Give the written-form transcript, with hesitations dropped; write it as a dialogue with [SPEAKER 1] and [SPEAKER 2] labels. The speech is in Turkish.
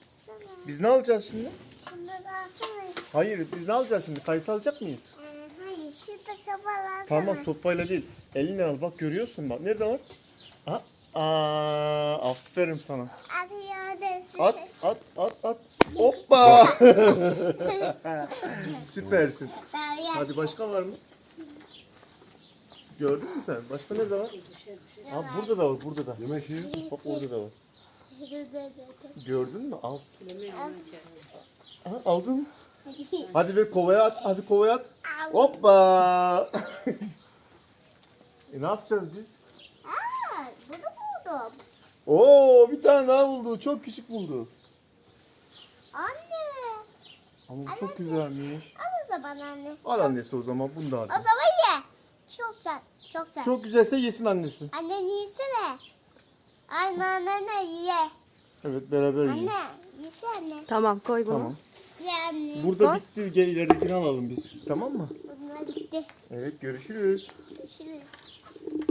[SPEAKER 1] Sana.
[SPEAKER 2] Biz ne alacağız şimdi?
[SPEAKER 1] Şunları alsana.
[SPEAKER 2] Hayır, biz ne alacağız şimdi? Kayısı alacak mıyız?
[SPEAKER 1] Hayır, şurada sobalar alsana.
[SPEAKER 2] Tamam, sopayla değil. Eline al, bak görüyorsun bak. Nerede var? Ha? Aferin sana.
[SPEAKER 1] Hadi yardım.
[SPEAKER 2] At. Hoppa! Süpersin. Hadi başka var mı? Gördün mü sen? Başka nerede var? Burada da var, burada da.
[SPEAKER 3] Yemek yiyor.
[SPEAKER 2] Bak orada da var. Gördün mü? Al. Aha, aldın mı? Hadi ver kovaya at. Hadi kovaya at. Hoppa! Ne yapacağız biz?
[SPEAKER 1] Bunu buldum.
[SPEAKER 2] Oo, bir tane daha buldu. Çok küçük buldu.
[SPEAKER 1] Anne.
[SPEAKER 2] Ama bu çok güzelmiş.
[SPEAKER 1] Al o zaman anne.
[SPEAKER 2] Al annesi o zaman. Bunu da
[SPEAKER 1] O
[SPEAKER 2] hadi.
[SPEAKER 1] zaman ye. Çok güzel. Çok güzel.
[SPEAKER 2] Çok güzelse yesin annesi.
[SPEAKER 1] Anne yesene. Anne ye.
[SPEAKER 2] Evet, beraber yiyin.
[SPEAKER 1] Anne yesene.
[SPEAKER 4] Tamam koy bunu.
[SPEAKER 2] Tamam.
[SPEAKER 1] Ye anne.
[SPEAKER 2] Burada
[SPEAKER 4] Koy.
[SPEAKER 2] bitti. Gel ileridekini alalım biz. Tamam mı?
[SPEAKER 1] Bunlar bitti.
[SPEAKER 2] Evet, görüşürüz.
[SPEAKER 1] Görüşürüz.